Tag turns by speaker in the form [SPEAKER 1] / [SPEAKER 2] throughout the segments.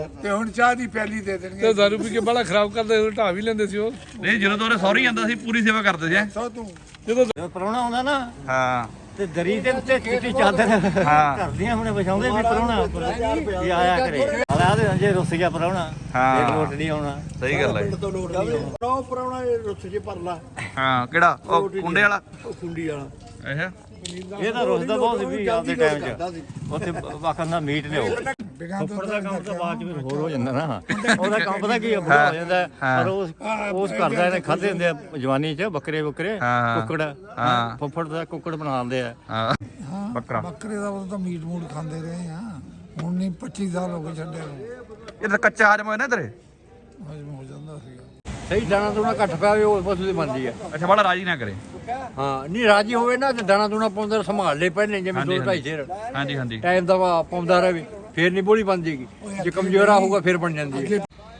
[SPEAKER 1] ਤੇ ਹੁਣ ਚਾਹ ਦੀ ਪਿਆਲੀ ਦੇ ਦੇਣਗੇ
[SPEAKER 2] ਤੇ ਦਾਰੂ ਪੀ ਕੇ ਬੜਾ ਖਰਾਬ ਕਰਦੇ ਢਾ ਵੀ ਲੈਂਦੇ ਸੀ ਉਹ।
[SPEAKER 3] ਨਹੀਂ ਜਦੋਂ ਤੋਂ ਉਹਨੇ ਸੌਰੀ ਜਾਂਦਾ ਸੀ ਪੂਰੀ ਸੇਵਾ ਕਰਦੇ ਸੀ
[SPEAKER 1] ਸੋ ਤੂੰ
[SPEAKER 2] ਜਦੋਂ
[SPEAKER 4] ਪ੍ਰਾਹੁਣਾ ਆਉਂਦਾ ਨਾ
[SPEAKER 3] ਹਾਂ
[SPEAKER 4] ਤੇ ਦਰੀ ਦੇ ਉੱਤੇ ਚਿੱਟੀ ਚਾਦਰ ਕਰਦੀਆਂ ਹੁਣੇ ਵਿਛਾਉਂਦੇ ਵੀ ਪ੍ਰਾਹੁਣਾ ਵੀ ਆਇਆ ਕਰੇ ਆਲਾ ਦੇ ਜੇ ਰੁੱਸ ਗਿਆ ਪ੍ਰਾਹੁਣਾ ਤੇ ਲੋਟ ਨਹੀਂ ਆਉਣਾ।
[SPEAKER 3] ਸਹੀ ਗੱਲ ਹੈ
[SPEAKER 4] ਨੋ ਪ੍ਰਾਹੁਣਾ ਰੁੱਸ ਜੇ ਪਰ ਲਾ
[SPEAKER 3] ਹਾਂ ਕਿਹੜਾ ਉਹ ਕੁੰਡੇ ਵਾਲਾ
[SPEAKER 4] ਉਹ ਖੁੰਡੀ ਵਾਲਾ
[SPEAKER 3] ਅੱਛਾ
[SPEAKER 4] ਇਹ ਤਾਂ ਰੁੱਸਦਾ ਬਹੁਤ ਸੀ ਵੀ ਆਪਦੇ ਟਾਈਮ 'ਚ ਉੱਥੇ ਵਾਕਨ ਦਾ ਮੀਟ ਲਿਓ। ਫੁੱਫੜ ਦਾ ਕੰਮ ਤਾਂ ਬਾਅਦ 'ਚ ਫਿਰ ਹੋਰ ਹੋ ਜਾਂਦਾ ਨਾ ਉਹਦਾ ਕੰਮ ਪਤਾ ਕੀ ਬੁਰਾ ਹੋ ਜਾਂਦਾ ਪਰ ਉਸ ਕਰਦਾ ਇਹਨੇ ਖਾਦੇ ਹੁੰਦੇ ਆ ਜਵਾਨੀ 'ਚ ਬੱਕਰੇ ਕੁੱਕੜ ਫੁੱਫੜ ਦਾ ਕੁੱਕੜ ਬਣਾ ਦਿੰਦੇ ਆ।
[SPEAKER 1] ਹਾਂ ਬੱਕਰੇ ਦਾ ਉਹ ਤਾਂ ਮੀਟ ਮੂਟ ਖਾਂਦੇ ਰਹੇ ਆ ਹੁਣ ਨਹੀਂ 25 ਸਾਲ ਹੋ ਗਏ ਛੱਡਿਆ ਨੂੰ
[SPEAKER 3] ਇਹ ਤਾਂ ਕੱਚਾ ਹਜਮ ਹੋਇਆ ਨਾ ਤੇਰੇ
[SPEAKER 1] ਹਜਮ ਹੋ ਜਾਂਦਾ ਸੀਗਾ।
[SPEAKER 4] ਸਹੀ ਦਾਣਾ ਦੂਣਾ ਘੱਟ ਪਿਆ ਹੋਵੇ ਉਹ ਪਸ਼ੂ ਦੀ ਬਣਦੀ ਆ।
[SPEAKER 3] ਅੱਛਾ ਬੜਾ ਰਾਜੀ ਨਾ ਕਰੇ
[SPEAKER 4] ਹਾਂ ਨਹੀਂ ਰਾਜੀ ਹੋਵੇ ਨਾ ਤੇ ਦਾਣਾ ਦੂਣਾ ਪਾਉਂਦਾ ਸੰਭਾਲ ਲੈ ਪਹਿਲੇ ਜਿਵੇਂ 2-2.5 ਸਿਰ
[SPEAKER 3] ਹਾਂਜੀ ਹਾਂਜੀ
[SPEAKER 4] ਟਾਈਮ ਦਾ ਪਾਉਂਦਾ ਰਹੇ ਫੇਰ ਨਹੀਂ ਬੋਲੀ ਬਣ ਜੇਗੀ ਜੇ ਕਮਜ਼ੋਰਾ ਹੋਊਗਾ ਫੇਰ ਬਣ ਜਾਂਦੀ ਹੈ।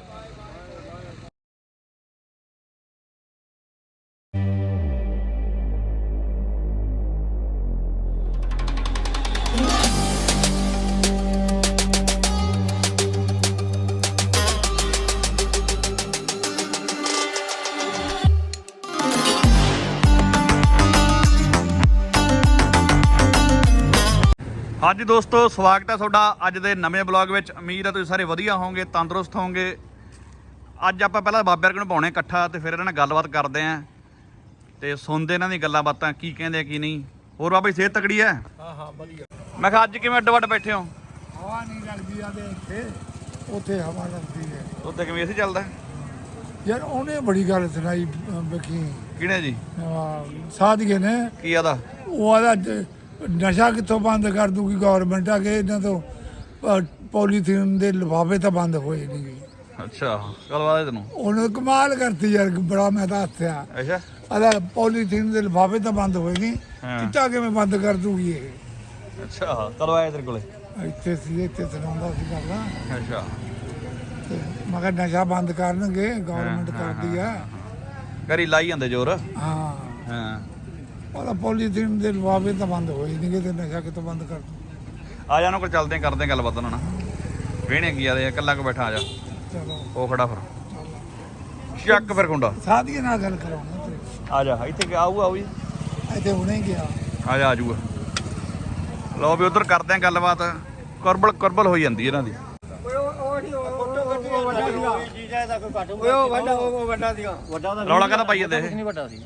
[SPEAKER 3] ਹਾਂਜੀ ਦੋਸਤੋ ਸਵਾਗਤ ਹੈ ਤੁਹਾਡਾ ਅੱਜ ਦੇ ਨਵੇਂ ਬਲੌਗ ਵਿੱਚ। ਉਮੀਦ ਹੈ ਤੁਸੀਂ ਸਾਰੇ ਵਧੀਆ ਹੋਵੋਗੇ, ਤੰਦਰੁਸਤ ਹੋਵੋਗੇ। ਅੱਜ ਆਪਾਂ ਪਹਿਲਾਂ ਬਾਬੇ ਵਰਗੇ ਨੂੰ ਪਾਉਣੇ ਇਕੱਠਾ ਤੇ ਫਿਰ ਇਹਨਾਂ ਨਾਲ ਗੱਲਬਾਤ ਕਰਦੇ ਆਂ ਤੇ ਸੁਣਦੇ ਇਹਨਾਂ ਦੀ ਗੱਲਾਂ ਬਾਤਾਂ ਕੀ ਕਹਿੰਦੇ ਆ ਕੀ ਨਹੀਂ। ਹੋਰ ਬਾਬਾ ਜੀ ਸਿਹਤ ਤਕੜੀ ਹੈ?
[SPEAKER 1] ਹਾਂ ਵਧੀਆ।
[SPEAKER 3] ਮੈਂ ਕਿਹਾ ਅੱਜ ਕਿਵੇਂ ਅੱਡ ਵੱਡ ਬੈਠੇ ਹੋ?
[SPEAKER 1] ਹਵਾ ਨਹੀਂ ਲੱਗਦੀ ਆ ਤੇ ਇੱਥੇ ਉੱਥੇ ਹਵਾ ਲੱਗਦੀ ਹੈ।
[SPEAKER 3] ਉੱਤੇ ਕਿਵੇਂ ਏਸੀ ਚੱਲਦਾ
[SPEAKER 1] ਯਾਰ ਉਹਨੇ ਬੜੀ ਗੱਲ ਸੁਣਾਈ ਵੇਖੀ
[SPEAKER 3] ਕਿਹਨੇ ਜੀ?
[SPEAKER 1] ਸਾਧੀਏ ਨੇ
[SPEAKER 3] ਕੀ ਆਦਾ?
[SPEAKER 1] ਉਹ ਆਦਾ ਨਸ਼ਾ ਕਿੱਥੋਂ ਬੰਦ ਕਰ ਦੂਗੀ ਗਵਰਨਮੈਂਟ ਆ ਕੇ ਇਹਨਾਂ ਤੋਂ ਪੋਲੀਥੀਨ ਦੇ ਲਿਫਾਫੇ ਤਾਂ ਬੰਦ ਹੋਏ ਨਹੀਂ।
[SPEAKER 3] ਅੱਛਾ ਕੱਲ ਵਾਲੇ ਤੈਨੂੰ
[SPEAKER 1] ਉਹਨੇ ਕਮਾਲ ਕਰਤੀ ਯਾਰ ਬੜਾ ਮੈਂ ਤਾਂ ਹੱਸਿਆ।
[SPEAKER 3] ਅੱਛਾ
[SPEAKER 1] ਆਦਾ ਪੋਲੀਥੀਨ ਦੇ ਲਿਫਾਫੇ ਤਾਂ ਬੰਦ ਹੋਏ ਨਹੀਂ ਚਿੱਟਾ ਕਿਵੇਂ ਬੰਦ ਕਰ ਦੂਗੀ ਇਹ।
[SPEAKER 3] ਅੱਛਾ ਕਦੋਂ ਆਇਆ ਤੇਰੇ ਕੋਲੇ?
[SPEAKER 1] ਇੱਥੇ ਸੀ ਇੱਥੇ ਸੁਣਾਉਂਦਾ ਸੀ ਗੱਲਾਂ
[SPEAKER 3] ਅੱਛਾ
[SPEAKER 1] ਤੇ ਮੈਂ ਕਿਹਾ ਨਸ਼ਾ ਬੰਦ ਕਰਨਗੇ ਗਵਰਨਮੈਂਟ ਕਰਦੀ ਆ।
[SPEAKER 3] ਕਰੀ ਲਾਈ ਜਾਂਦੇ ਜ਼ੋਰ।
[SPEAKER 1] ਹਾਂ
[SPEAKER 3] ਹਾਂ
[SPEAKER 1] ਉਹਦਾ ਪੋਲੀਥੀਨ ਦੇ ਲਿਫਾਫੇ ਤਾਂ ਬੰਦ ਹੋਏ ਨਹੀਂ ਤੇ ਨਸ਼ਾ ਕਿੱਥੋਂ ਬੰਦ ਕਰ ਦੂ।
[SPEAKER 3] ਆ ਜਾ ਉਹਨਾਂ ਕੋਲ ਚੱਲਦੇ ਆਂ, ਕਰਦੇ ਆਂ ਗੱਲਬਾਤ ਉਹਨਾਂ ਨਾਲ। ਵੇਹਣੇ ਕੀ ਆਦੇ ਇਕੱਲਾ ਕੋ ਬੈਠਾ ਆ ਜਾ।
[SPEAKER 1] ਚਲੋ
[SPEAKER 3] ਉਹ ਖੜਾ ਫਿਰ ਚੱਕ ਫਿਰ ਕੁੰਡਾ
[SPEAKER 1] ਸਾਧੀਏ ਨਾਲ ਗੱਲ ਕਰਾਉਣਾ ਤੇ
[SPEAKER 3] ਆ ਜਾ ਇੱਥੇ ਆਊ ਜੀ
[SPEAKER 1] ਇੱਥੇ ਹੁਣੇ ਗਿਆ
[SPEAKER 3] ਆ ਜਾ ਆਜੂਗਾ। ਲਓ ਵੀ ਉਧਰ ਕਰਦੇ ਆਂ ਗੱਲਬਾਤ। ਕੁਰਬਲ ਹੋਈ ਜਾਂਦੀ ਇਹਨਾਂ ਦੀ। ਰੌਲਾ ਕਾਹਦਾ ਪਾਈ ਜਾਂਦੇ ਇਹ?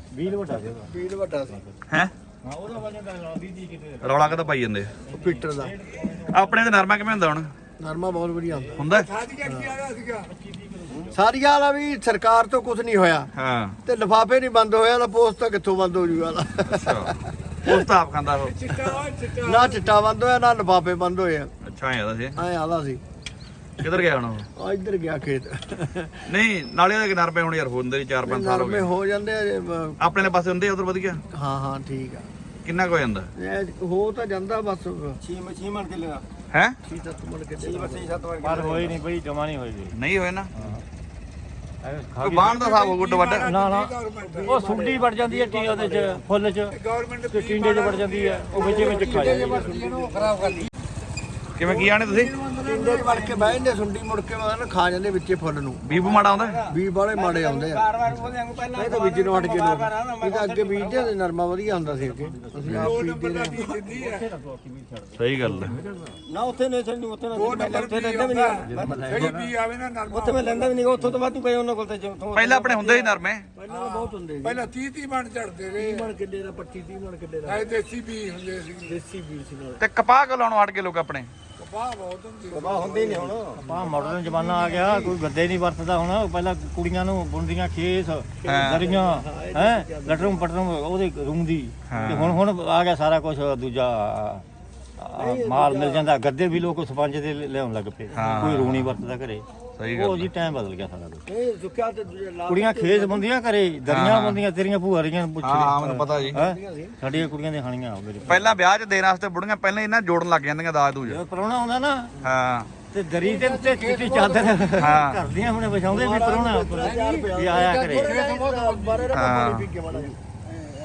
[SPEAKER 3] ਹੈ ਰੌਲਾ ਕਾਹਦਾ ਪਾਈ ਜਾਂਦੇ?
[SPEAKER 4] ਪੀਟਰ ਦਾ
[SPEAKER 3] ਆਪਣੇ ਤੇ ਨਰਮਾ ਕਿਵੇਂ ਹੁੰਦਾ ਹੁਣ?
[SPEAKER 4] ਨਰਮਾ ਬਹੁਤ ਵਧੀਆ
[SPEAKER 3] ਹੁੰਦਾ?
[SPEAKER 1] ਸਾਧੀਆ ਕੀ ਆਦਾ ਸੀਗਾ
[SPEAKER 4] ਸਾਰੀਆਂ ਵਾਲਾ ਵੀ ਸਰਕਾਰ ਤੋਂ ਕੁਝ ਨਹੀਂ ਹੋਇਆ
[SPEAKER 3] ਹਾਂ
[SPEAKER 4] ਤੇ ਲਿਫਾਫੇ ਨਹੀਂ ਬੰਦ ਹੋਇਆ ਤਾਂ ਪੋਸਟ ਤਾਂ ਕਿੱਥੋਂ ਬੰਦ ਹੋ ਜੂਗਾ।
[SPEAKER 3] ਅੱਛਾ ਉਸ ਤਾਂ ਆਪ ਖਾਂਦਾ ਉਹ।
[SPEAKER 1] ਚਿੱਟਾ
[SPEAKER 4] ਨਾ ਚਿੱਟਾ ਬੰਦ ਹੋਇਆ ਨਾ ਲਿਫਾਫੇ ਬੰਦ ਹੋਏ ਆ।
[SPEAKER 3] ਅੱਛਾ ਐਂ ਆਦਾ ਸੀ।
[SPEAKER 4] ਐ ਆਲਾ ਸੀ
[SPEAKER 3] ਕਿੱਧਰ ਗਿਆ ਹੁਣ ਉਹ?
[SPEAKER 4] ਆ ਇੱਧਰ ਗਿਆ ਖੇਤ।
[SPEAKER 3] ਨਹੀਂ ਨਾਲੇ ਉਹਦੇ ਨਰਮੇ ਹੁਣ ਯਾਰ ਹੁੰਦੇ 4-5 ਸਾਲ ਹੋ
[SPEAKER 4] ਨਰਮੇ
[SPEAKER 3] ਗਏ।
[SPEAKER 4] ਹੋ ਜਾਂਦੇ ਆ
[SPEAKER 3] ਆਪਣੇ ਵਾਲੇ ਪਾਸੇ ਹੁੰਦੇ ਉਧਰ ਵਧੀਆ।
[SPEAKER 4] ਹਾਂ ਹਾਂ ਠੀਕ ਆ।
[SPEAKER 3] ਕਿੰਨਾ ਕੁ ਹੋ ਜਾਂਦਾ
[SPEAKER 4] ਇਹ ਹੋ ਤਾਂ ਜਾਂਦਾ ਬਸ 6 ਮਣ ਕੇ ਲਗਾ
[SPEAKER 3] ਹੈ?
[SPEAKER 4] 6-7 ਮਣ ਕੇ ਪਰ ਹੋਈ ਨਹੀਂ ਬਈ ਜਮਾ ਨਹੀਂ ਹੋਈ
[SPEAKER 3] ਨਹੀਂ ਹੋਏ ਨਾ ਕੋਈ ਬਾਣ ਦਾ ਹਿਸਾਬ ਹੋ ਗੁੱਡ ਵੱਡ।
[SPEAKER 4] ਨਾ ਨਾ ਉਹ ਸੁੰਡੀ ਵੜ ਜਾਂਦੀ ਹੈ ਟੀ ਉਹਦੇ ਚ ਫੁੱਲ ਚ
[SPEAKER 1] ਗਵਰਨਮੈਂਟ
[SPEAKER 4] ਤੇ ਟਿੰਡੇ ਚ ਵੜ ਜਾਂਦੀ ਹੈ ਉਹ ਵਿੱਚ ਖਾ ਜਾਂਦੀ ਹੈ।
[SPEAKER 1] ਖਰਾਬ ਕਰ ਲਈ
[SPEAKER 3] ਕਿਵੇਂ ਕੀ ਆਣੇ ਤੁਸੀਂ?
[SPEAKER 4] ਟਿੰਡੇ ਚ ਵੜ ਕੇ ਬਹਿ ਜਾਂਦੇ ਸੁੰਡੀ ਮੁੜ ਕੇ ਮਗਰ ਖਾ ਜਾਂਦੇ ਵਿੱਚੇ ਫੁੱਲ ਨੂੰ।
[SPEAKER 3] ਬੀਬੂ ਮਾੜਾ ਆਉਂਦਾ?
[SPEAKER 4] ਬੀਜ ਬਾਲੇ ਮਾੜੇ ਆਉਂਦੇ ਆ ਇਹ ਤਾਂ ਬੀਜ ਨੂੰ ਹਟ ਕੇ ਲੋਕ ਇਹ ਤਾਂ ਅੱਗੇ ਬੀਜਦੇ ਤੇ ਨਰਮਾ ਵਧੀਆ ਹੁੰਦਾ ਸੀ ਅੱਗੇ ਅਸੀਂ ਆਪ ਬੀਜਦੇ ਰਹੇ।
[SPEAKER 3] ਸਹੀ ਗੱਲ ਹੈ।
[SPEAKER 4] ਨਾ ਉੱਥੇ ਨਹੀਂ ਛੱਡੀ ਉੱਥੇ
[SPEAKER 1] ਉਹ ਨੰਬਰ ਵੀ ਲੈਂਦਾ ਵੀ ਨਹੀਂ ਜਿਹੜੀ ਵੀ ਆਵੇ ਨਾ ਨਰਮਾ
[SPEAKER 4] ਉੱਥੇ ਮੈਂ ਲੈਂਦਾ ਵੀ ਨਹੀਂ ਉੱਥੋਂ ਤੋਂ ਬਾਅਦ ਤੂੰ ਗਏ ਉਹਨਾਂ ਕੋਲ ਤੇ
[SPEAKER 3] ਪਹਿਲਾਂ ਆਪਣੇ ਹੁੰਦੇ ਸੀ ਨਰਮੇ।
[SPEAKER 4] ਪਹਿਲਾਂ ਬਹੁਤ ਹੁੰਦੇ
[SPEAKER 1] ਪਹਿਲਾਂ 30 ਮਣ ਝੜਦੇ ਰਹੇ
[SPEAKER 4] ਮਣ ਕਿੱਲੇ ਦਾ 25-30 ਮਣ ਕਿੱਲੇ ਦਾ
[SPEAKER 1] ਐ ਦੇਸੀ ਵੀ ਹੁੰਦੇ ਸੀ
[SPEAKER 4] ਦੇਸੀ ਬੀਜ ਸੀ ਨਾਲ
[SPEAKER 3] ਤੇ ਕਪਾਹ ਕੋ ਲਾਉਣੋਂ ਹਟ ਕੇ ਲੋਕ ਆਪਣੇ।
[SPEAKER 1] ਕਪਾਹ ਬਹੁਤ ਹੁੰਦੀ
[SPEAKER 4] ਕਪਾਹ ਹੁੰਦੇ ਹੀ ਨਹੀਂ ਹੁਣ ਕਪਾਹ ਮਾਡਰਨ ਜ਼ਮਾਨਾ ਆ ਗਿਆ ਕੋਈ ਗੱਦੇ ਨਹੀਂ ਵਰਤਦਾ ਹੁਣ। ਪਹਿਲਾਂ ਕੁੜੀਆਂ ਨੂੰ ਬੁਣਦੀਆਂ ਖੇਸ ਦਰੀਆਂ ਹੈ ਲਟਰਮ ਪਟਰਮ ਉਹਦੇ ਰੂੰਦੀ ਤੇ ਹੁਣ ਆ ਗਿਆ ਸਾਰਾ ਕੁਝ ਦੂਜਾ ਮਾਲ ਮਿਲ ਜਾਂਦਾ। ਗੱਦੇ ਵੀ ਲੋਕ ਸਪੰਜ ਦੇ ਲਿਆਉਣ ਲੱਗ ਪਏ ਕੋਈ ਰੂਣੀ ਵਰਤਦਾ ਘਰੇ।
[SPEAKER 3] ਸਹੀ
[SPEAKER 4] ਉਹ ਜੀ ਟਾਈਮ ਬਦਲ ਗਿਆ ਸਾਰਾ ਕੁਝ। ਇਹ ਸੁੱਕਿਆ ਤੇ ਕੁੜੀਆਂ ਖੇਸ ਬੰਦੀਆਂ ਘਰੇ ਦਰੀਆਂ ਬੰਦੀਆਂ ਤੇਰੀਆਂ ਭੂਆ ਰੀਆਂ
[SPEAKER 3] ਹਾਂ ਮੈਨੂੰ ਪਤਾ ਜੀ।
[SPEAKER 4] ਸਾਡੀਆਂ ਕੁੜੀਆਂ ਦੇ ਖਾਣੀਆਂ ਮੇਰੇ
[SPEAKER 3] ਪਹਿਲਾਂ ਵਿਆਹ 'ਚ ਦੇਣ ਵਾਸਤੇ ਬੁੜੀਆਂ ਪਹਿਲਾਂ ਇਹਨਾਂ ਜੋੜਨ ਲੱਗ ਜਾਂਦੀਆਂ ਦਾਜ ਦੂਜ।
[SPEAKER 4] ਪ੍ਰਾਹੁਣਾ ਆਉਂਦਾ ਨਾ
[SPEAKER 3] ਹਾਂ
[SPEAKER 4] ਤੇ ਦਰੀ ਦੇ ਉੱਤੇ ਚਿੱਟੀ ਚਾਦਰ ਕਰਦੀਆਂ ਹੁਣੇ ਵਿਛਾਉਂਦੇ ਵੀ ਪ੍ਰਾਹੁਣਾ ਵੀ ਆਇਆ ਕਰੇ।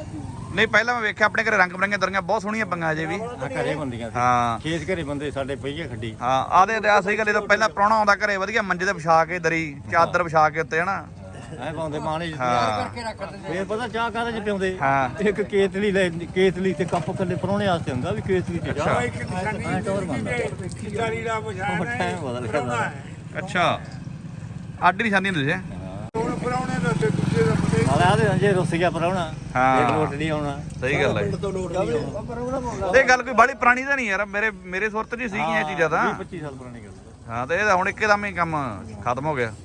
[SPEAKER 3] ਨਹੀਂ ਪਹਿਲਾਂ ਮੈਂ ਵੇਖਿਆ ਆਪਣੇ ਘਰੇ ਰੰਗ ਬਰੰਗੀਆਂ ਦਰੀਆਂ ਬਹੁਤ ਸੋਹਣੀਆਂ ਪੰਗਾਂ ਅਜੇ ਵੀ
[SPEAKER 4] ਘਰੇ ਬੰਦੀਆਂ ਸੀ
[SPEAKER 3] ਹਾਂ
[SPEAKER 4] ਖੇਤ ਘਰੇ ਬੰਦੇ ਸਾਡੇ ਪਈਏ ਖੱਡੀ
[SPEAKER 3] ਹਾਂ ਆਦੇ ਆ ਸਹੀ ਗੱਲ ਇਹ ਤਾਂ ਪਹਿਲਾਂ ਪ੍ਰਾਹੁਣਾ ਆਉਂਦਾ ਘਰੇ ਵਧੀਆ ਮੰਜੇ ਤੇ ਵਿਛਾ ਕੇ ਦਰੀ ਚਾਦਰ ਵਿਛਾ ਕੇ ਉੱਤੇ ਹਨਾ
[SPEAKER 4] ਐ ਪਾਉਂਦੇ ਪਾਣੀ
[SPEAKER 3] ਹਾਂ
[SPEAKER 4] ਫੇਰ ਪਤਾ ਚਾਹ ਕਾਹਦੇ ਚ ਪਿਉਂਦੇ
[SPEAKER 3] ਹਾਂ
[SPEAKER 4] ਇੱਕ ਕੇਤਲੀ ਲੈ ਕੇਤਲੀ ਤੇ ਕੱਪ ਕੱਲੇ ਪਰੋਣੇ ਵਾਸਤੇ ਹੁੰਦਾ ਵੀ ਕੇਤਲੀ ਤੇ ਚਾਹ
[SPEAKER 1] ਇੱਕ ਨਿਸ਼ਾਨੀ
[SPEAKER 4] ਟੌਰ ਬਣਦਾ
[SPEAKER 1] ਖਿਚਾਰੀ ਦਾ
[SPEAKER 4] ਉਹ
[SPEAKER 1] ਪਛਾਣ
[SPEAKER 4] ਟਾਈਮ ਬਦਲ ਗਿਆ
[SPEAKER 3] ਅੱਛਾ ਅੱਡੀ ਨਿਸ਼ਾਨੀ ਹੁੰਦੀ ਸੀ
[SPEAKER 1] ਹੁਣ ਪਰਾਉਣੇ ਦੇ ਉੱਤੇ ਦੂਜੇ ਦਾ ਪਤੇ
[SPEAKER 4] ਨਾਲੇ ਆਦੇ ਜੇ ਰੁੱਸ ਗਿਆ ਪਰੋਣਾ
[SPEAKER 3] ਹਾਂ।
[SPEAKER 4] ਇੱਕ ਲੋਟ ਨਹੀਂ ਆਉਣਾ
[SPEAKER 3] ਸਹੀ ਗੱਲ ਹੈ
[SPEAKER 4] ਤੋਂ ਲੋਟ ਨਹੀਂ ਆਉਣਾ
[SPEAKER 3] ਇਹ ਗੱਲ ਕੋਈ ਬੜੀ ਪੁਰਾਣੀ ਤਾਂ ਨਹੀਂ ਯਾਰ ਮੇਰੇ ਸੁਰਤ 'ਚ ਹੀ ਸੀਗੀਆਂ ਇਹ ਚੀਜ਼ਾਂ ਤਾਂ
[SPEAKER 4] 25 ਸਾਲ ਪੁਰਾਣੀ ਗੱਲ
[SPEAKER 3] ਹਾਂ ਤੇ ਇਹ ਤਾਂ ਹੁਣ ਇੱਕਦਮ ਹੀ ਕੰਮ ਖਤਮ ਹੋ ਗਿਆ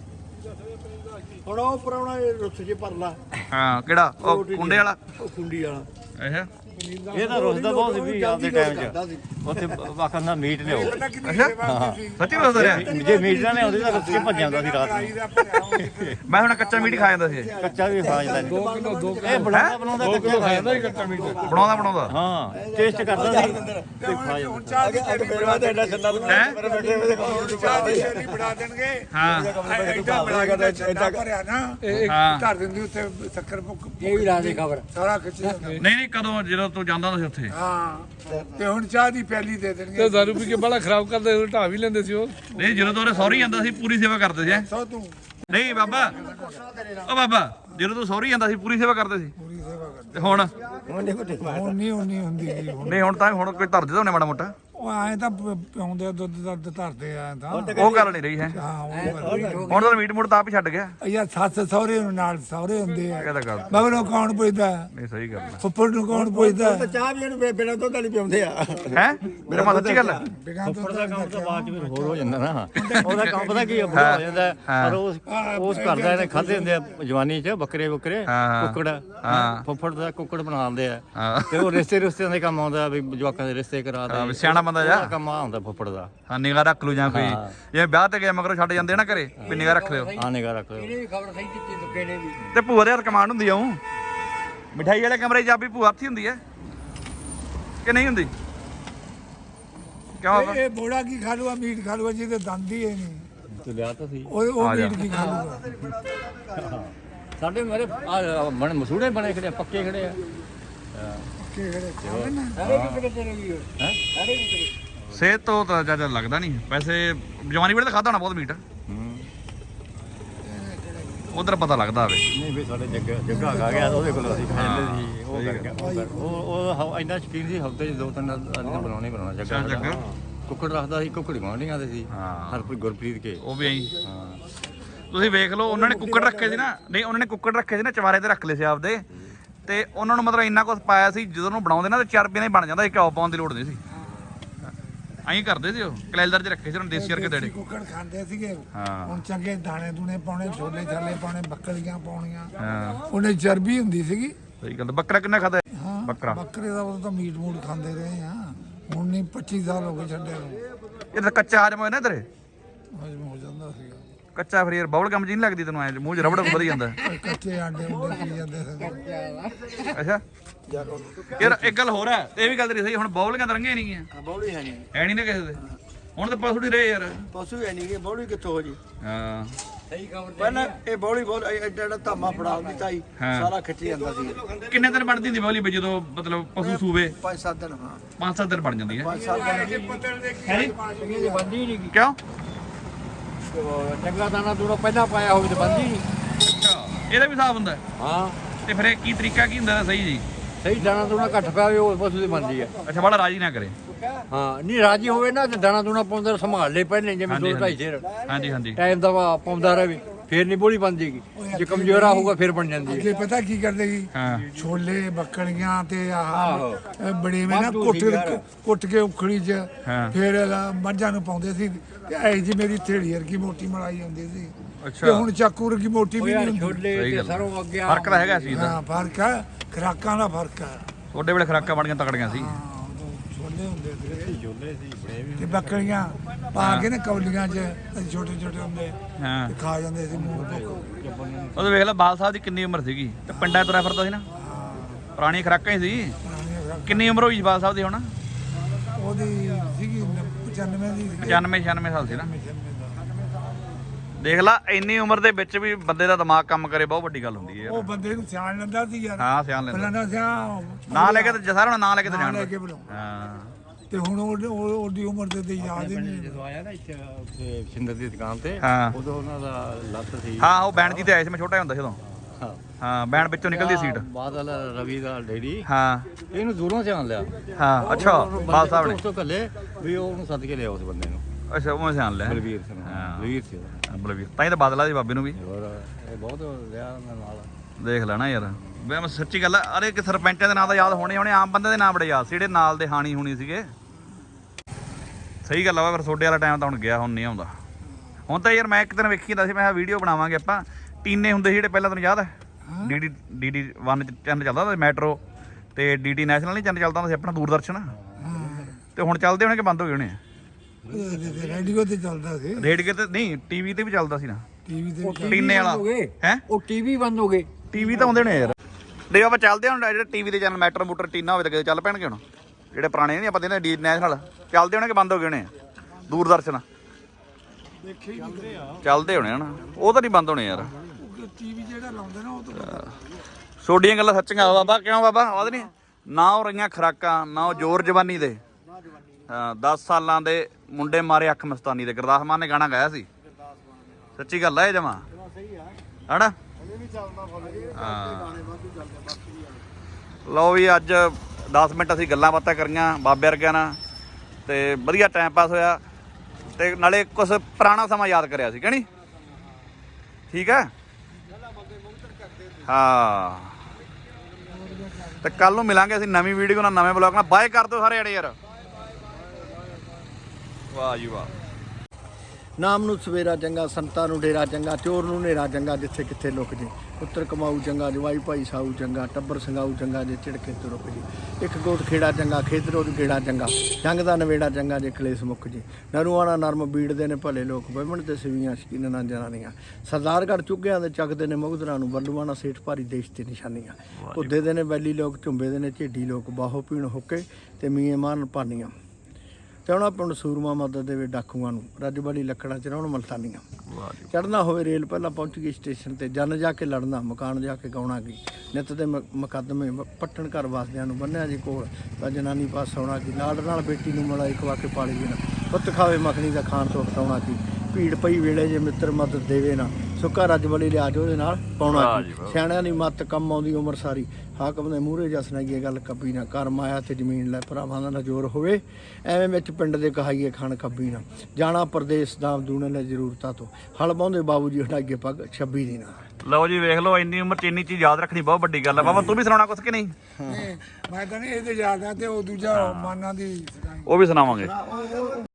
[SPEAKER 5] ਹੁਣ ਉਹ ਪਰਾਉਣਾ ਰੁੱਸ ਜੇ ਪਰਲਾ
[SPEAKER 3] ਹਾਂ ਕਿਹੜਾ ਉਹ ਕੁੰਡੇ ਵਾਲਾ
[SPEAKER 5] ਉਹ ਖੁੰਡੀ ਵਾਲਾ
[SPEAKER 3] ਅੱਛਾ
[SPEAKER 4] ਇਹ ਤਾਂ ਰੁੱਸਦਾ ਬਹੁਤ ਸੀ ਵੀ ਆਪਦੇ ਟਾਈਮ 'ਚ ਉੱਥੇ ਵਾਕਨ ਦਾ ਮੀਟ ਲਿਓ
[SPEAKER 1] ਪਤਾ ਕਿੰਨੀ ਸੇਵਾ ਹੁੰਦੀ ਸੀ
[SPEAKER 3] ਸੱਚੀ ਦੱਸਦਾ ਰਿਹਾ
[SPEAKER 4] ਜੇ ਮੀਟ ਨਾ ਲਿਆਉਂਦੇ ਤਾਂ ਰੁੱਸ ਕੇ ਭੱਜ ਜਾਂਦਾ ਸੀ ਰਾਤ
[SPEAKER 1] ਰਾਈ
[SPEAKER 4] ਨੂੰ
[SPEAKER 1] ਦਾ ਭਰਿਆ ਹੁੰਦੀ ਸੀ।
[SPEAKER 3] ਮੈਂ ਹੁਣ ਕੱਚਾ ਮੀਟ ਹੀ ਖਾ ਜਾਂਦਾ ਸੀ ਇਹ।
[SPEAKER 4] ਕੱਚਾ ਵੀ ਖਾ ਜਾਂਦਾ
[SPEAKER 2] 2 ਕਿਲੋ 2
[SPEAKER 4] ਇਹ ਬਣਾਉਂਦਾ ਕੱਚਾ ਖਾ ਜਾਂਦਾ
[SPEAKER 2] ਹੀ ਕੱਟਾ ਮੀਟ
[SPEAKER 3] ਬਣਾਉਂਦਾ
[SPEAKER 4] ਹਾਂ ਟੇਸਟ ਕਰਦਾ ਸੀ ਤੇ ਖਾ
[SPEAKER 1] ਹੁਣ
[SPEAKER 4] ਜਾਂਦਾ
[SPEAKER 1] ਚਾਹ ਦੀ ਸ਼ੈਲੀ ਬਣਾ
[SPEAKER 5] ਐਡਾ ਛੱਲਾ ਤੂੰ
[SPEAKER 3] ਹੈਂ?
[SPEAKER 1] ਚਾਹ ਦੀ ਸ਼ੈਲੀ ਬਣਾ ਦੇਣਗੇ
[SPEAKER 3] ਹਾਂ
[SPEAKER 1] ਐਡਾ ਬਣਾ ਕੇ ਛੱਡਾ ਭਰਿਆ ਨਾ
[SPEAKER 3] ਹਾਂ
[SPEAKER 1] ਧਰ ਦਿੰਦੀ ਉੱਤੇ ਸ਼ੱਕਰ ਮੁੱਕ
[SPEAKER 5] ਇਹ ਵੀ ਲਾ ਦੇ ਖਬਰ
[SPEAKER 1] ਸਾਰਾ ਖਿੱਚ ਜਾਂਦਾ
[SPEAKER 3] ਨਹੀਂ ਨਹੀਂ ਕਦੋਂ ਜਦੋਂ ਤੂੰ ਜਾਂਦਾ ਹੁੰਦਾ ਸੀ ਉੱਥੇ
[SPEAKER 1] ਹਾਂ ਤੇ ਹੁਣ ਚਾਹ ਦੀ ਪਿਆਲੀ ਦੇ ਦੇਣਗੇ
[SPEAKER 2] ਤੇ ਦਾਰੂ ਪੀ ਕੇ ਬੜਾ ਖਰਾਬ ਕਰਦੇ ਸੀ, ਢਾਹ ਵੀ ਲੈਂਦੇ ਸੀ ਉਹ।
[SPEAKER 3] ਨਹੀਂ ਜਦੋਂ ਤੂੰ ਉਹਦੇ ਸੌਰੀ ਜਾਂਦਾ ਸੀ ਪੂਰੀ ਸੇਵਾ ਕਰਦੇ ਸੀ ਹੈਂ?
[SPEAKER 1] ਸੋ ਤੂੰ
[SPEAKER 3] ਨਹੀਂ ਬਾਬਾ ਉਹ ਬਾਬਾ ਜਦੋਂ ਤੂੰ ਸੌਰੀ ਜਾਂਦਾ ਸੀ ਪੂਰੀ ਸੇਵਾ ਕਰਦੇ ਸੀ
[SPEAKER 1] ਪੂਰੀ ਸੇਵਾ ਕਰ
[SPEAKER 3] ਤੇ ਹੁਣ
[SPEAKER 1] ਹੁਣ ਨਹੀਂ ਹੁੰਦੀ ਜੀ ਹੁਣ
[SPEAKER 3] ਨਹੀਂ ਹੁਣ ਤਾਂ ਹੁਣ ਕੋਈ ਧਰਦੇ ਤਾਂ ਹੋਣੇ ਮਾੜਾ ਮੋਟਾ
[SPEAKER 1] ਉਹ ਐਂ ਤਾਂ ਪਿਆਉਂਦੇ ਆ, ਦੁੱਧ ਦੱਧ ਧਰਦੇ ਆ ਤਾਂ
[SPEAKER 3] ਉਹ ਗੱਲ ਨਹੀਂ ਰਹੀ ਹੈ
[SPEAKER 1] ਹਾਂ ਉਹ
[SPEAKER 3] ਹੁਣ ਤਾਂ ਮੀਟ ਮੂਟ ਤਾਂ ਆਪ ਹੀ ਛੱਡ ਗਿਆ
[SPEAKER 1] ਯਾਰ ਸੱਸ ਸਹੁਰੇ ਨੂੰ ਨਾਲ ਸਹੁਰੇ ਹੁੰਦੇ ਆ
[SPEAKER 3] ਇਹ ਤਾਂ ਗੱਲ
[SPEAKER 1] ਮਗਰੋਂ ਕੌਣ ਪੁੱਛਦਾ
[SPEAKER 3] ਨਹੀਂ ਸਹੀ ਗੱਲ
[SPEAKER 1] ਫੁੱਫੜ ਨੂੰ ਕੌਣ ਪੁੱਛਦਾ
[SPEAKER 5] ਚਾਹ ਵੀ ਇਹਨੂੰ ਬਿਨਾਂ ਦੁੱਧ ਵਾਲੀ ਪਿਉਂਦੇ ਆ
[SPEAKER 3] ਹੈ ਮੇਰਾ ਮਾ ਸੱਚੀ ਗੱਲ ਹੈ
[SPEAKER 1] ਬਿਨਾਂ
[SPEAKER 4] ਫੁੱਫੜ ਦਾ ਕੰਮ ਤਾਂ ਬਾਅਦ ਚ ਫਿਰ ਹੋਰ ਹੋ ਜਾਂਦਾ ਨਾ ਉਹਦਾ ਕੰਮ ਪਤਾ ਕੀ ਆ, ਬੁਰਾ ਹੋ ਜਾਂਦਾ ਪਰ ਉਸ ਕਰਦਾ ਇਹਨੇ ਖਾਦੇ ਹੁੰਦੇ ਆ ਜਵਾਨੀ ਚ ਬੱਕਰੇ
[SPEAKER 3] ਹਾਂ।
[SPEAKER 4] ਕੁੱਕੜ
[SPEAKER 3] ਹਾਂ।
[SPEAKER 4] ਫੁੱਫੜ ਦਾ ਕੁੱਕੜ ਬਣਾਉਂਦੇ ਆ
[SPEAKER 3] ਹਾਂ
[SPEAKER 4] ਤੇ ਉਹ ਰਿਸ਼ਤਿਆਂ ਦੇ ਕੰਮ ਆਉਂਦਾ ਵੀ ਜਵਾਕਾਂ ਦੇ ਰਿਸ਼ਤੇ ਕਰਾ
[SPEAKER 3] ਹਾਂ,
[SPEAKER 4] ਦੇ
[SPEAKER 3] ਵੀ ਸਿਆਣਾ ਬੰਦਾ ਜਾ
[SPEAKER 4] ਉਹਦਾ ਕੰਮ ਆ ਹੁੰਦਾ ਫੁੱਫੜ ਦਾ
[SPEAKER 3] ਹਾਂ ਨਿਗਾਹ ਰੱਖ ਲੂ ਜਾਂ ਕੋਈ ਜਿਵੇਂ ਵਿਆਹ ਤੇ ਗਿਆ ਮਗਰੋਂ ਛੱਡ ਜਾਂਦੇ ਨਾ ਘਰੇ ਵੀ ਨਿਗਾਹ ਰੱਖ ਲਿਓ
[SPEAKER 4] ਆ ਨਿਗਾਹ ਰੱਖ ਲਿਓ
[SPEAKER 5] ਇਹਨੇ ਵੀ ਖਬਰ ਸਹੀ ਦਿੱਤੀ ਦੁੱਕੇ ਨੇ ਵੀ
[SPEAKER 3] ਤੇ ਭੂਆ ਦੇ ਹੱਥ ਕਮਾਂਡ ਹੁੰਦੀ ਆ ਉਹ ਮਿਠਾਈ ਵਾਲੇ ਕਮਰੇ 'ਚ ਚਾਬੀ ਭੂਆ ਹੱਥ ਹੀ ਹੁੰਦੀ ਹੈ ਕਿ ਨਹੀਂ ਹੁੰਦੀ ਕਿਉਂ ਬਾਬਾ
[SPEAKER 1] ਇਹ ਬੋੜਾ ਕੀ ਖਾ ਲੂਆ ਮੀਟ ਖਾ ਲੂਆ ਜਿਹਦੇ ਦੰਦ ਹੀ ਇਹ ਨਹੀਂ
[SPEAKER 4] ਤੇ ਵਿਆਹ ਤਾਂ ਸੀ
[SPEAKER 1] ਉਹ
[SPEAKER 3] ਆ ਜਾ।
[SPEAKER 1] ਮੀਟ ਕੀ ਖਾ ਲੂਗਾ
[SPEAKER 4] ਸਾਡੇ ਮੇਰੇ ਬਣ ਮਸੂੜੇ ਬਣੇ ਖੜੇ ਆ, ਪੱਕੇ ਖੜੇ ਆ
[SPEAKER 1] ਕੀ ਖੜੇ ਚਾਹੇ ਨਾ
[SPEAKER 5] ਸਾਰੇ ਕਿਤੇ ਤੇਰੇ ਵੀ
[SPEAKER 4] ਹੈਂ?
[SPEAKER 5] ਸਾਰੇ ਕਿਤੇ
[SPEAKER 3] ਸਿਹਤ ਤੋਂ ਤਾਂ ਜ਼ਿਆਦਾ ਲੱਗਦਾ ਨਹੀਂ ਵੈਸੇ ਜਵਾਨੀ ਵੇਲੇ ਤਾਂ ਖਾਦਾ ਹੋਣਾ ਬਹੁਤ ਮੀਟ ਉਧਰ ਪਤਾ ਲੱਗਦਾ ਹੋਵੇ
[SPEAKER 4] ਨਹੀਂ ਵੀ ਸਾਡੇ ਜੱਗਾ ਆ ਗਿਆ ਉਹਦੇ ਕੋਲ ਅਸੀਂ ਖਾ ਲੈਂਦੇ ਸੀ ਉਹ ਕਰ ਗਿਆ ਉਹ ਇੰਨਾ ਸ਼ਕੀਨ ਸੀ ਹਫਤੇ 'ਚ 2-3 ਦਿਨ ਬਣਾਉਣਾ ਜੱਗਾ
[SPEAKER 3] ਜੱਗਾ।
[SPEAKER 4] ਕੁੱਕੜ ਰੱਖਦਾ ਸੀ ਕੁੱਕੜ ਗਵਾਂਢੀਆਂ ਦੇ ਸੀ
[SPEAKER 3] ਹਾਂ।
[SPEAKER 4] ਹਰਪ੍ਰੀਤ ਗੁਰਪ੍ਰੀਤ ਕੇ
[SPEAKER 3] ਉਹ ਵੀ ਐਂ
[SPEAKER 4] ਹਾਂ
[SPEAKER 3] ਤੁਸੀਂ ਵੇਖ ਲਓ ਉਹਨਾਂ ਨੇ ਕੁੱਕੜ ਰੱਖੇ ਸੀ ਨਾ ਨਹੀਂ ਉਹਨਾਂ ਨੇ ਕੁੱਕੜ ਰੱਖੇ ਸੀ ਨਾ ਚਵਾਰੇ ਤੇ ਰੱਖ ਲਏ ਸੀ ਆਪਦੇ ਤੇ ਉਹਨਾਂ ਨੂੰ ਮਤਲਬ ਇੰਨਾ ਕੁਝ ਪਾਇਆ ਸੀ ਜਦੋਂ ਉਹਨੂੰ ਬਣਾਉਂਦੇ ਨਾ ਤੇ ਚਰਬੀ ਨਾਲ ਹੀ ਬਣ ਜਾਂਦਾ ਸੀ ਘਿਓ ਪਾਉਣ ਦੀ ਲੋੜ ਨਹੀਂ ਸੀ ਐਂ ਕਰਦੇ ਸੀ ਉਹ ਕਲੈਲਦਰ 'ਚ ਰੱਖੇ ਸੀ ਉਹਨਾਂ ਦੇਸੀ ਵਰਗੇ ਦੇੜੇ
[SPEAKER 1] ਕੁੱਕੜ ਖਾਂਦੇ ਸੀਗੇ
[SPEAKER 3] ਹਾਂ।
[SPEAKER 1] ਹੁਣ ਚੰਗੇ ਦਾਣੇ ਦੂਣੇ ਪਾਉਣੇ ਛੋਲੇ ਛਾਲੇ ਪਾਉਣੇ ਬੱਕਲੀਆਂ ਪਾਉਣੀਆਂ
[SPEAKER 3] ਹਾਂ
[SPEAKER 1] ਉਹਨੇ ਚਰਬੀ ਹੁੰਦੀ ਸੀਗੀ
[SPEAKER 3] ਸਹੀ ਗੱਲ ਬੱਕਰਾ ਕਿੰਨਾ ਖਾਦਾ
[SPEAKER 1] ਹਾਂ
[SPEAKER 3] ਬੱਕਰਾ
[SPEAKER 1] ਬੱਕਰੇ ਦਾ ਉਹ ਤਾਂ ਮੀਟ ਮੂਟ ਖਾਂਦੇ ਰਹੇ ਆ ਹੁਣ ਨਹੀਂ 25 ਸਾਲ ਹੋ ਗਏ ਛੱਡਿਆ ਨੂੰ
[SPEAKER 3] ਇਹ ਤਾਂ ਕੱਚਾ ਹਜਮ ਹੋਇਆ ਨਾ ਤੇਰੇ
[SPEAKER 1] ਹਜਮ ਹੋ ਜਾਂਦਾ ਸੀਗਾ
[SPEAKER 3] ਕੱਚਾ ਫਿਰ ਯਾਰ ਬੌਲ ਕੰਮ ਜੀ ਨਹੀਂ ਲੱਗਦੀ ਤੈਨੂੰ ਐ ਮੂੰਹ 'ਚ ਰਬੜ ਵਧੀ ਜਾਂਦਾ
[SPEAKER 1] ਉਹ ਕੱਚੇ ਆਂਡੇ ਉਂਡੇ ਪੀ ਜਾਂਦੇ ਸੀ
[SPEAKER 3] ਅੱਛਾ ਯਾਰ ਇੱਕ ਗੱਲ ਹੋਰ ਹੈ ਇਹ ਵੀ ਗੱਲ ਤੇਰੀ ਸਹੀ ਹੁਣ ਬੌਲੀਆਂ ਤਾਂ ਰੰਗੀਆਂ ਨਹੀਂ ਗਈਆਂ
[SPEAKER 5] ਬੌਲੀ ਹੈ ਨਹੀਂ
[SPEAKER 3] ਹੈ ਨਹੀਂ ਨਾ ਕਿਸੇ ਦੇ ਹੁਣ ਤਾਂ ਪਸੂੜੀ ਰਹੇ ਯਾਰ
[SPEAKER 5] ਪਸ਼ੂ ਹੈ ਨਹੀਂ ਕਿ ਬੌਲੀ ਕਿੱਥੋਂ ਹੋ ਜੀ
[SPEAKER 3] ਹਾਂ
[SPEAKER 5] ਸਹੀ ਖਬਰ ਪਹਿਲਾਂ ਇਹ ਬੌਲੀ ਬਹੁਤ ਐਡਾ ਐਡਾ ਧਾਮਾ ਫੜਾ ਹੁੰਦੀ ਤਾਈ
[SPEAKER 3] ਹਾਂ।
[SPEAKER 5] ਸਾਰਾ ਖਿੱਚੀ ਜਾਂਦਾ ਸੀ
[SPEAKER 3] ਕਿੰਨੇ ਦਿਨ ਬਣਦੀ ਹੁੰਦੀ ਬੌਲੀ ਵੀ ਜਦੋਂ ਮਤਲਬ ਪਸ਼ੂ ਸੂਵੇ
[SPEAKER 5] 5-7 ਦਿਨ ਹਾਂ
[SPEAKER 3] 5-7 ਦਿਨ ਬਣ ਜਾਂਦੀ ਹੈ
[SPEAKER 5] 5-7 ਦਿਨ
[SPEAKER 3] ਹੈ ਨੀ?
[SPEAKER 5] ਇਹ ਬੰਦੀ ਨਹੀਂ ਗਈ
[SPEAKER 3] ਕਿਉਂ
[SPEAKER 5] ਚੰਗਾ ਦਾਣਾ ਦੂਰੋਂ ਪਹਿਲਾਂ ਪਾਇਆ ਹੋਵੇ ਤੇ ਬੰਦੀ ਨਹੀਂ
[SPEAKER 3] ਅੱਛਾ ਇਹਦਾ ਵੀ ਹਿਸਾਬ ਹੁੰਦਾ ਹੈ?
[SPEAKER 5] ਹਾਂ
[SPEAKER 3] ਤੇ ਫਿਰ ਇਹ ਕੀ ਤਰੀਕਾ ਕੀ ਹੁੰਦਾ ਇਹਦਾ ਸਹੀ ਜੀ
[SPEAKER 5] ਸਹੀ ਦਾਣਾ ਦੂਣਾ ਘੱਟ ਪਿਆ ਹੋਵੇ ਉਹ ਪਸ਼ੂ ਦੀ ਬੰਦੀ ਆ
[SPEAKER 3] ਅੱਛਾ ਬੜਾ ਰਾਜੀ ਨਾ ਕਰੇ
[SPEAKER 5] ਹਾਂ ਨਹੀਂ ਰਾਜੀ ਹੋਵੇ ਨਾ ਤੇ ਦਾਣਾ ਦੂਣਾ ਪਾਉਂਦਾ ਸੰਭਾਲ ਲੈ ਪਹਿਲੇ ਜਿਵੇਂ
[SPEAKER 3] ਹਾਂਜੀ,
[SPEAKER 5] 2-2.5 ਸਿਰ
[SPEAKER 3] ਹਾਂਜੀ ਹਾਂਜੀ
[SPEAKER 5] ਟਾਈਮ ਦਾ ਪਾਉਂਦਾ ਰਹੇ ਫੇਰ ਨਹੀਂ ਬੋਲੀ ਬਣਦੀਗੀ ਜੇ ਕਮਜ਼ੋਰਾ ਹੋਊਗਾ ਫੇਰ ਬਣ ਜਾਂਦੀ ਹੈ
[SPEAKER 1] ਅੱਗੇ ਪਤਾ ਕੀ ਕਰਦੇ ਸੀ
[SPEAKER 3] ਹਾਂ
[SPEAKER 1] ਛੋਲੇ ਬੱਕਲੀਆਂ ਤੇ ਆਹ ਬੜੇ ਮੈਂ ਨਾ ਕੁੱਟ ਕੇ ਉਖੜੀ 'ਚ
[SPEAKER 3] ਹਾਂ।
[SPEAKER 1] ਫਿਰ ਮੱਝਾਂ ਨੂੰ ਪਾਉਂਦੇ ਸੀ ਤੇ ਐ ਜੀ ਮੇਰੀ ਥੇੜੀ ਵਰਗੀ ਮੋਟੀ ਮਲਾਈ ਹੁੰਦੀ ਸੀ ਤੇ
[SPEAKER 3] ਅੱਛਾ
[SPEAKER 1] ਹੁਣ ਚਾਕੂ ਵਰਗੀ ਮੋਟੀ ਵੀ ਨਹੀਂ ਹੁੰਦੀ
[SPEAKER 5] ਛੋਲੇ
[SPEAKER 3] ਸਹੀ
[SPEAKER 5] ਤੇ
[SPEAKER 3] ਗੱਲ।
[SPEAKER 5] ਸਰੋਂ ਅੱਗੇ
[SPEAKER 3] ਫਰਕ ਤਾਂ ਹੈਗਾ ਸੀ ਇਹਦਾ
[SPEAKER 1] ਹਾਂ ਫਰਕ ਆ ਖਰਾਕਾਂ ਦਾ ਫਰਕ ਆ
[SPEAKER 3] ਤੁਹਾਡੇ ਵੇਲੇ ਖਰਾਕਾਂ ਬੜੀਆਂ ਤਕੜੀਆਂ ਸੀ
[SPEAKER 1] ਹਾਂ, ਉਦੋਂ ਛੋਲੇ ਹੁੰਦੇ ਸੀ
[SPEAKER 4] ਜੋਲੇ ਸੀ ਬੜੇ ਵੀ
[SPEAKER 1] ਤੇ ਬੱਕਲੀਆਂ ਪਾ ਕੇ ਨਾ ਕੌਲੀਆਂ 'ਚ ਛੋਟੇ ਛੋਟੇ ਹੁੰਦੇ
[SPEAKER 3] ਹਾਂ
[SPEAKER 1] ਤੇ ਖਾ ਜਾਂਦੇ ਸੀ ਮੂੰਹ ਤੋਂ
[SPEAKER 3] ਉਹਦੇ ਵੇਖ ਲੈ ਬਾਲ ਸਾਹਿਬ ਦੀ ਕਿੰਨੀ ਉਮਰ ਸੀਗੀ ਤੇ ਪਿੰਡਾਂ 'ਚ ਤੁਰਿਆ ਫਿਰਦਾ ਸੀ ਨਾ ਪੁਰਾਣੀਆਂ ਖਰਾਕਾਂ ਹੀ ਸੀ
[SPEAKER 1] ਪੁਰਾਣੀਆਂ ਖੁਰਾਕਾਂ।
[SPEAKER 3] ਕਿੰਨੀ ਉਮਰ ਹੋਈ ਸੀ ਬਾਲ ਸਾਹਿਬ ਦੀ ਹੁਣ
[SPEAKER 1] ਉਹਦੀ ਸੀਗੀ 95 ਦੀ ਸੀ
[SPEAKER 3] 95 96 ਸਾਲ ਸੀ ਨਾ ਦੇਖ ਲਾ ਇੰਨੀ ਉਮਰ ਦੇ ਵਿੱਚ ਵੀ ਬੰਦੇ ਦਾ ਦਿਮਾਗ ਕੰਮ ਕਰੇ ਬਹੁਤ ਵੱਡੀ ਗੱਲ ਹੁੰਦੀ ਹੈ
[SPEAKER 1] ਉਹ ਬੰਦੇ ਨੂੰ ਸਿਆਣ ਲੈਂਦਾ ਸੀ ਯਾਰ।
[SPEAKER 3] ਹਾਂ ਸਿਆਣ ਲੈਂਦਾ
[SPEAKER 1] ਪਹਿਲਾਂ ਸਿਆਣ
[SPEAKER 3] ਨਾਂ ਲੈ ਕੇ ਤੇ ਸਾਰਿਆਂ ਨੂੰ ਨਾਂ ਲੈ ਕੇ ਤੇ
[SPEAKER 1] ਨਾਂ
[SPEAKER 3] ਜਾਣਦਾ
[SPEAKER 1] ਲੈ ਕੇ ਬੁਲਾਓ।
[SPEAKER 3] ਹਾਂ
[SPEAKER 1] ਤੇ ਹੁਣ ਉਹਦੀ ਉਮਰ ਤੇ ਯਾਦ ਹੀ ਨਹੀਂ।
[SPEAKER 4] ਜਦੋਂ ਆਇਆ ਨਾ ਇੱਥੇ ਸਿੰਦਰ ਦੀ ਦੁਕਾਨ ਤੇ
[SPEAKER 3] ਹਾਂ
[SPEAKER 4] ਉਦੋਂ ਉਹਨਾਂ ਦਾ ਲੱਤ ਸੀ।
[SPEAKER 3] ਹਾਂ ਉਹ ਬੈਂਡ ਜੀ ਤੇ ਆਏ ਸੀ, ਮੈਂ ਛੋਟਾ ਹੁੰਦਾ ਸੀ ਉਦੋਂ।
[SPEAKER 4] ਹਾਂ
[SPEAKER 3] ਹਾਂ ਬੈਂਡ ਵਿੱਚੋਂ ਨਿਕਲਦੀ ਸੀਟ।
[SPEAKER 4] ਬਾਦਲ ਰਵੀ ਦਾ ਡੈਡੀ
[SPEAKER 3] ਹਾਂ
[SPEAKER 4] ਇਹਨੂੰ ਦੂਰੋਂ ਸਿਆਣ ਲਿਆ।
[SPEAKER 3] ਹਾਂ ਅੱਛਾ ਬਾਲ ਸਾਹਿਬ ਨੇ
[SPEAKER 4] ਉਸ ਤੋਂ ਕੱਲੇ ਵੀ ਉਹ ਉਹਨੂੰ ਸੱਦ ਕੇ ਲਿਆ ਉਸ ਬੰਦੇ ਨੂੰ।
[SPEAKER 3] ਅੱਛਾ ਉਹ ਸਿਆਣ ਲਿਆ
[SPEAKER 4] ਬਲਵੀਰ ਸਿੰਘ
[SPEAKER 3] ਹਾਂ।
[SPEAKER 4] ਬਲਵੀਰ ਸੀ ਉਹਦਾ।
[SPEAKER 3] ਹਾਂ, ਬਲਵੀਰ ਤਾਂ ਹੀ ਤਾਂ ਬਦਲਾ ਸੀ ਬਾਬੇ ਨੂੰ ਵੀ।
[SPEAKER 4] ਹੋਰ ਇਹ ਬਹੁਤ ਰਿਹਾ ਉਹਨਾਂ ਨਾਲ।
[SPEAKER 3] ਦੇਖ ਲੈਣਾ ਯਾਰ ਮੈਂ ਸੱਚੀ ਗੱਲ ਆ, ਅਰੇ ਕਿ ਸਰਪੰਚਾਂ ਦੇ ਨਾਂ ਤਾਂ ਯਾਦ ਹੋਣੇ ਹੋਣੇ, ਆਮ ਬੰਦੇ ਦੇ ਨਾਂ ਬੜੇ ਯਾਦ ਸੀ ਜਿਹੜੇ ਨਾਲ ਦੇ ਹਾਣੀ ਹੋਣੀ ਸੀਗੇ। ਸਹੀ ਗੱਲ ਆ, ਪਰ ਤੁਹਾਡੇ ਵਾਲਾ ਟਾਈਮ ਤਾਂ ਹੁਣ ਗਿਆ, ਹੁਣ ਨਹੀਂ ਆਉਂਦਾ। ਹੁਣ ਤਾਂ ਯਾਰ ਮੈਂ ਇੱਕ ਦਿਨ ਵੇਖੀ ਜਾਂਦਾ ਸੀ, ਮੈਂ ਕਿਹਾ ਵੀਡੀਓ ਬਣਾਵਾਂਗੇ ਆਪਾਂ। ਟੀਨੇ ਹੁੰਦੇ ਸੀ ਜਿਹੜੇ ਪਹਿਲਾਂ, ਤੈਨੂੰ ਯਾਦ ਹੈ? ਡੀਡੀ 1 ਚੈਨਲ ਚੱਲਦਾ ਹੁੰਦਾ ਸੀ ਮੈਟਰੋ, ਤੇ ਡੀਡੀ ਨੈਸ਼ਨਲ ਨਹੀਂ ਚੈਨਲ ਚੱਲਦਾ ਹੁੰਦਾ ਸੀ ਆਪਣਾ, ਦੂਰਦਰਸ਼ਨ। ਤੇ ਹੁਣ ਚੱਲਦੇ ਹੋਣੇ ਕਿ ਬੰਦ ਹੋ ਗਏ ਹੋਣੇ?
[SPEAKER 1] ਰੇਡੀਓ ਤੇ ਚੱਲਦਾ ਸੀ।
[SPEAKER 3] ਰੇਡੀਓ ਤੇ ਨਹੀਂ, ਟੀਵੀ ਤੇ ਵੀ ਚੱਲਦਾ ਸੀ ਨਾ,
[SPEAKER 1] ਟੀਵੀ ਤੇ
[SPEAKER 3] ਟੀਨੇ ਵਾਲਾ ਹੈ।
[SPEAKER 5] ਉਹ ਟੀਵੀ ਬੰਦ ਹੋ ਗਏ।
[SPEAKER 3] ਟੀਵੀ ਤਾਂ ਆਉਂਦੇ ਨੇ ਯਾਰ। ਦੇ ਆਪਾਂ ਚੱਲਦੇ ਹੁਣ ਜਿਹੜੇ ਟੀਵੀ ਦੇ ਚੈਨਲ ਮੈਟਰ ਮੂਟਰ ਟੀਨਾ ਹੋਵੇ ਤਾਂ ਕਿਤੇ ਚੱਲ ਪੈਣਗੇ ਹੁਣ। ਜਿਹੜੇ ਪੁਰਾਣੇ ਨਹੀਂ ਆਪਾਂ ਦੇ ਡੀ ਨੈਸ਼ਨਲ ਚੱਲਦੇ ਹੋਣੇ ਕਿ ਬੰਦ ਹੋ ਗਏ ਹੋਣੇ? ਦੂਰਦਰਸ਼ਨ ਚੱਲਦੇ ਹੋਣੇ ਹਨਾ, ਉਹ ਤਾਂ ਨਹੀਂ ਬੰਦ ਹੋਣੇ ਯਾਰ।
[SPEAKER 1] ਟੀਵੀ ਜਿਹੜਾ ਲਾਉਂਦੇ ਨਾ ਉਹ ਤਾਂ
[SPEAKER 3] ਛੋਡੀਆਂ ਗੱਲਾਂ ਸੱਚੀਆਂ ਬਾਬਾ। ਕਿਉਂ ਬਾਬਾ ਆਵਾਜ਼ ਨਹੀਂ? ਨਾ ਉਹ ਰਹੀਆਂ ਖੁਰਾਕਾਂ, ਨਾ ਉਹ ਜ਼ੋਰ ਜਵਾਨੀ ਦੇ। ਹਾਂ 10 ਸਾਲਾਂ ਦੇ ਮੁੰਡੇ ਮਾਰੇ ਅੱਖ ਮਸਤਾਨੀ ਦੇ, ਗੁਰਦਾਸ ਮਾਨ ਨੇ ਗਾਣਾ ਗਾਇਆ ਸੀ। ਸੱਚੀ ਗੱਲ ਹੈ ਇਹ ਜਮਾ ਹਨਾ। ਹਾਂ ਲਓ ਵੀ ਅੱਜ 10 ਮਿੰਟ ਅਸੀਂ ਗੱਲਾਂ ਬਾਤਾਂ ਕਰੀਆਂ ਬਾਬੇ ਵਰਗਿਆਂ ਨਾਲ, ਤੇ ਵਧੀਆ ਟਾਈਮ ਪਾਸ ਹੋਇਆ, ਤੇ ਨਾਲੇ ਕੁਛ ਪੁਰਾਣਾ ਸਮਾਂ ਯਾਦ ਕਰਿਆ ਸੀ ਕਿ ਨਹੀਂ? ਠੀਕ ਹੈ ਹਾਂ। ਤੇ ਕੱਲ ਨੂੰ ਮਿਲਾਂਗੇ ਅਸੀਂ ਨਵੀਂ ਵੀਡੀਓ ਨਾਲ, ਨਵੇਂ ਬਲੌਗ ਨਾਲ। ਬਾਏ ਕਰ ਦਿਓ ਸਾਰੇ ਜਣੇ ਯਾਰ। ਵਾਹ ਜੀ ਵਾਹ।
[SPEAKER 6] ਨਾਮ ਨੂੰ ਸਵੇਰਾ ਚੰਗਾ, ਸੰਤਾਂ ਨੂੰ ਡੇਰਾ ਚੰਗਾ, ਚੋਰ ਨੂੰ ਹਨੇਰਾ ਚੰਗਾ, ਜਿੱਥੇ ਕਿੱਥੇ ਲੁਕ ਜੇ। ਪੁੱਤਰ ਕਮਾਊ ਚੰਗਾ, ਜਵਾਈ ਭਾਈ ਸਾਊ ਚੰਗਾ, ਟੱਬਰ ਸੰਗਾਊ ਚੰਗਾ, ਜੇ ਝਿੜਕੇ ਤੋਂ ਰੁਕ ਜੇ। ਇੱਕ ਗੋਟ ਖੇੜਾ ਚੰਗਾ, ਖੇਤ ਰੋਡ ਗੇੜਾ ਚੰਗਾ, ਜੰਗ ਦਾ ਨਵੇੜਾ ਚੰਗਾ, ਜੇ ਕਲੇਸ਼ ਮੁੱਕ ਜੇ। ਨਰੂਆਣਾ ਨਰਮ ਬੀੜਦੇ ਨੇ ਭਲੇ ਲੋਕ, ਵਿਮਣ ਤੇ ਸਿਵੀਆਂ ਸ਼ਕੀਨਾਂ ਜਨਾਨੀਆਂ। ਸਰਦਾਰਗੜ੍ਹ ਚੁੱਗਿਆਂ ਦੇ ਚੱਕਦੇ ਨੇ ਮੁਗਦਰਾਂ ਨੂੰ, ਬੱਲੂਆਣਾ ਸੇਠ ਭਾਰੀ ਦੇਸ਼ ਤੇ ਨਿਸ਼ਾਨੀਆਂ। ਭੁੱਦੇ ਦੇ ਨੇ ਵੈਲੀ ਲੋਕ, ਝੁੰਬੇ ਦੇ ਨੇ ਝੇਡੀ ਲੋਕ, ਬਾਹੋ ਪੀਣ ਹੁੱਕੇ ਤੇ ਮੀਏ ਮਾਰਨ ਪਾਨੀਆਂ। ਚਾਹੁਣਾ ਪਿੰਡ ਸੂਰਮਾ ਮਦਦ ਦੇਵੇ ਡਾਕੂਆਂ ਨੂੰ, ਰੱਜ ਬੜੀ ਲੱਕੜਾਂ ਚਰਾਉਣ ਮਲਤਾਨੀਆਂ। ਚੜ੍ਹਨਾ ਹੋਵੇ ਰੇਲ ਪਹਿਲਾਂ ਪਹੁੰਚ ਗਈ ਸਟੇਸ਼ਨ ਤੇ, ਜਨ ਜਾ ਕੇ ਲੜਨਾ, ਮਕਾਨ ਜਾ ਕੇ ਗਾਉਣਾ ਕੀ। ਨਿੱਤ ਦੇ ਮੁਕੱਦਮੇ ਪੱਟਣ ਘਰ ਵਸਦਿਆਂ ਨੂੰ, ਬੰਨਿਆ ਜੀ ਕੋਲ ਤਾਂ ਜਨਾਨੀ ਪਾਸ ਆਉਣਾ ਕੀ। ਲਾੜ ਨਾਲ ਬੇਟੀ ਨੂੰ ਮਲਾਈ ਖਵਾ ਕੇ ਪਾਲੀ ਵੀ ਨਾ, ਪੁੱਤ ਖਾਵੇ ਮੱਖਣੀ ਦਾ ਖਾਣ ਤੋਂ ਹਟਾਉਣਾ ਕੀ। ਭੀੜ ਪਈ ਵੇਲੇ ਜੇ ਮਿੱਤਰ ਮਦਦ ਦੇਵੇ ਨਾ, ਸੁੱਕਾ ਰੱਜ ਬਲੀ ਲਿਆਜ ਉਹਦੇ ਨਾਲ ਪਾਉਣਾ ਕੀ। ਸਿਆਣਿਆਂ ਦੀ ਮੱਤ ਕੰਮ ਆਉਂਦੀ ਉਮਰ ਸਾਰੀ, ਹਾਕਮ ਦੇ ਮੂਹਰੇ ਜਸਣਾ ਕੀ ਗੱਲ ਕੱਬੀ ਨਾ। ਘਰ ਮਾਇਆ ਤੇ ਜ਼ਮੀਨ ਲੈ, ਭਰਾਵਾਂ ਦਾ ਨਜ਼ੋਰ ਹੋਵੇ, ਐਵੇਂ ਵਿੱਚ ਪਿੰਡ ਦੇ ਕਹਾਈਏ ਖਾਣ ਖੱਬੀ ਨਾ। ਜਾਣਾ ਪਰਦੇਸ ਦਾਮ ਦੂਣੇ ਲੈ ਜ਼ਰੂਰਤਾਂ ਤੋਂ, ਹਲ ਬਾਉਂਦੇ ਬਾਬੂ ਜੀ ਹਟਾਈਏ ਪੱਗ 26 ਦੀ ਨਾ।
[SPEAKER 3] ਲਓ ਜੀ ਵੇਖ ਲਓ, ਇੰਨੀ ਉਮਰ ਚ ਇੰਨੀ ਚੀਜ਼ ਯਾਦ ਰੱਖਣੀ ਬਹੁਤ ਵੱਡੀ ਗੱਲ ਹੈ। ਬਾਬਾ ਤੂੰ ਵੀ ਸੁਣਾਉਣਾ ਕੁਛ ਕਿ ਨਹੀਂ?
[SPEAKER 1] ਮੈਂ ਤਾਂ ਨਹੀਂ ਇਹਦੇ ਯਾਦ ਆ। ਤੇ ਉਹ ਦੂਜਾ ਮਾਨਾਂ ਦੀ
[SPEAKER 3] ਉਹ ਵੀ ਸੁਣਾਵਾਂਗੇ।
[SPEAKER 1] ਉਹ